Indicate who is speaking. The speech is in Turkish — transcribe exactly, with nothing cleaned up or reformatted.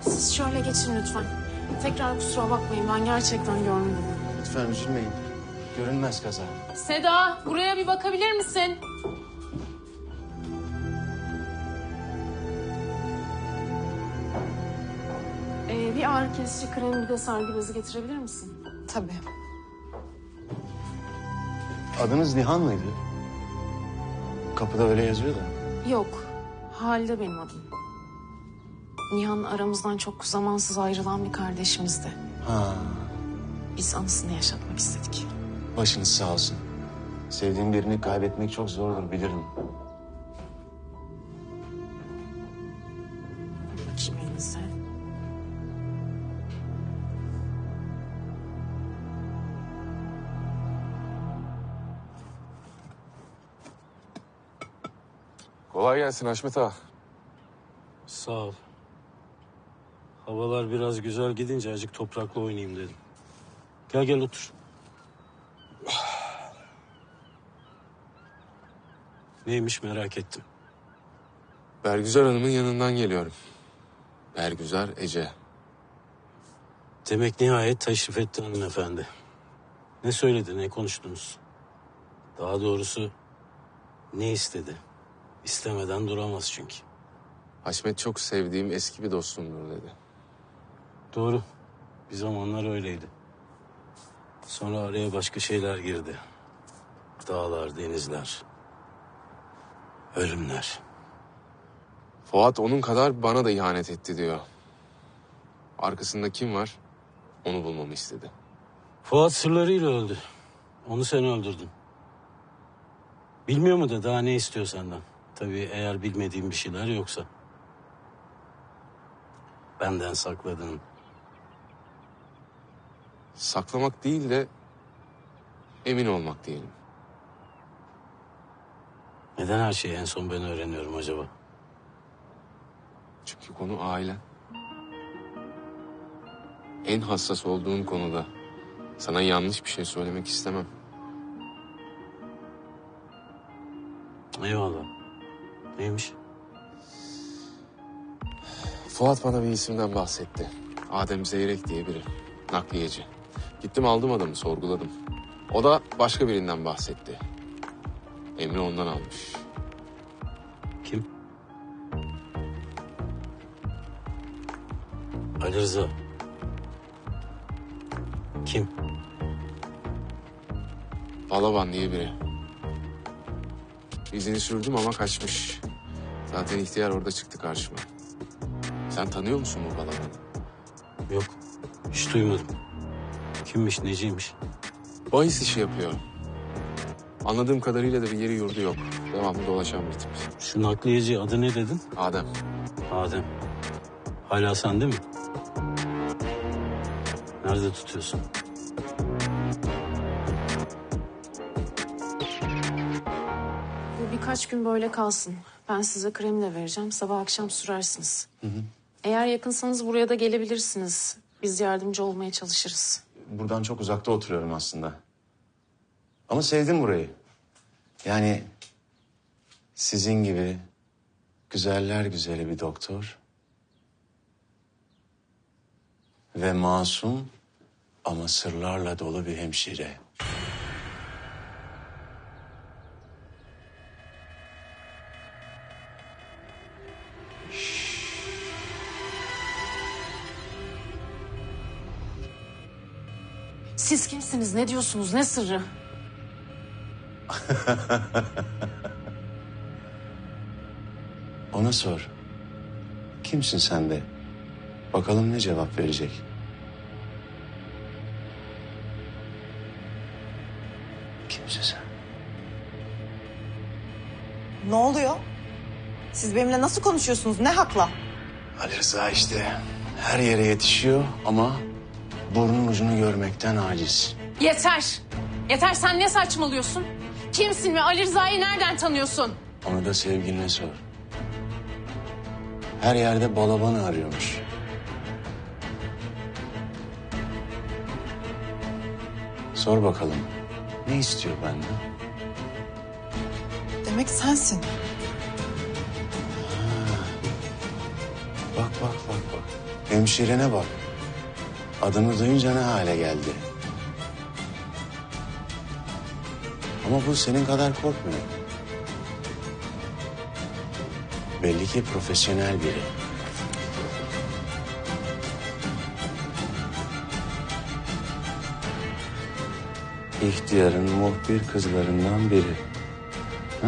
Speaker 1: Siz şöyle geçin lütfen. Tekrar kusura bakmayın, ben gerçekten görmedim.
Speaker 2: Lütfen üzülmeyin. Görünmez kaza.
Speaker 1: Seda, buraya bir bakabilir misin? Ee, bir ağrı kesici kremi, bir de sargı bezi getirebilir misin?
Speaker 3: Tabii.
Speaker 2: Adınız Nihan mıydı? Kapıda öyle yazıyor da.
Speaker 1: Yok, Halide benim adım. Nihan aramızdan çok zamansız ayrılan bir kardeşimizdi.
Speaker 2: Ha,
Speaker 1: Biz anısını yaşatmak istedik.
Speaker 2: başınız sağ olsun. Sevdiğim birini kaybetmek çok zordur, bilirim.
Speaker 1: Bakayım elinize.
Speaker 4: Kolay gelsin Haşmet ağa.
Speaker 5: Sağ ol. Havalar biraz güzel gidince azıcık toprakla oynayayım dedim. Gel gel otur. Neymiş merak ettim.
Speaker 4: Bergüzar Hanım'ın yanından geliyorum. Bergüzar Ece.
Speaker 5: Demek nihayet teşrif etti hanımefendi. Ne söyledi, ne konuştunuz? Daha doğrusu ne istedi? İstemeden duramaz çünkü.
Speaker 4: Haşmet çok sevdiğim eski bir dostumdur dedi.
Speaker 5: Doğru. Bir zamanlar öyleydi. Sonra araya başka şeyler girdi. Dağlar, denizler, ölümler.
Speaker 4: Fuat onun kadar bana da ihanet etti diyor. Arkasında kim var? Onu bulmamı istedi.
Speaker 5: Fuat sırlarıyla öldü. Onu sen öldürdün. Bilmiyor mu da daha ne istiyor senden? Tabii eğer bilmediğim bir şeyler yoksa. Benden sakladığın.
Speaker 4: Saklamak değil de emin olmak diyelim.
Speaker 5: Neden her şeyi en son ben öğreniyorum acaba?
Speaker 4: Çünkü konu ailen. En hassas olduğun konuda sana yanlış bir şey söylemek istemem.
Speaker 5: Eyvallah. Neymiş?
Speaker 4: Fuat bana bir isimden bahsetti. Adem Zeyrek diye biri. Nakliyeci. Gittim aldım adamı, sorguladım. O da başka birinden bahsetti. Emri ondan almış.
Speaker 5: Kim? Ali Rıza. Kim?
Speaker 4: Balaban diye biri. İzini sürdüm ama kaçmış. Zaten ihtiyar orada çıktı karşıma. Sen tanıyor musun bu Balaban'ı?
Speaker 5: Yok. Hiç duymadım. Kimmiş, neciymiş?
Speaker 4: Bahis işi yapıyor. Anladığım kadarıyla da bir yeri yurdu yok. Devamlı dolaşan bir tip.
Speaker 5: Şu nakliyeci adı ne dedin?
Speaker 4: Adem.
Speaker 5: Adem. Hala sende mi? Nerede tutuyorsun?
Speaker 1: Bu birkaç gün böyle kalsın. Ben size kremi de vereceğim. Sabah akşam sürersiniz. Hı hı. Eğer yakınsanız buraya da gelebilirsiniz. Biz yardımcı olmaya çalışırız.
Speaker 2: Buradan çok uzakta oturuyorum aslında. Ama sevdim burayı. Yani sizin gibi güzeller güzeli bir doktor ve masum ama sırlarla dolu bir hemşire.
Speaker 1: Siz kimsiniz? Ne diyorsunuz? Ne sırrı?
Speaker 2: Ona sor. Kimsin sen de? Bakalım ne cevap verecek. Kimsin sen?
Speaker 3: Ne oluyor? Siz benimle nasıl konuşuyorsunuz? Ne hakla?
Speaker 2: Ali Rıza işte her yere yetişiyor ama burnun ucunu görmekten aciz.
Speaker 1: Yeter! Yeter, sen ne saçmalıyorsun? Kimsin ve Ali Rıza'yı nereden tanıyorsun?
Speaker 2: Onu da sevgiline sor. Her yerde balabanı arıyormuş. Sor bakalım. Ne istiyor benden?
Speaker 3: Demek sensin.
Speaker 2: Bak bak bak bak. Hemşirene bak. Adını duyunca ne hale geldi. Ama bu senin kadar korkmuyor. Belli ki profesyonel biri. İhtiyarın muhbir kızlarından biri. Ha?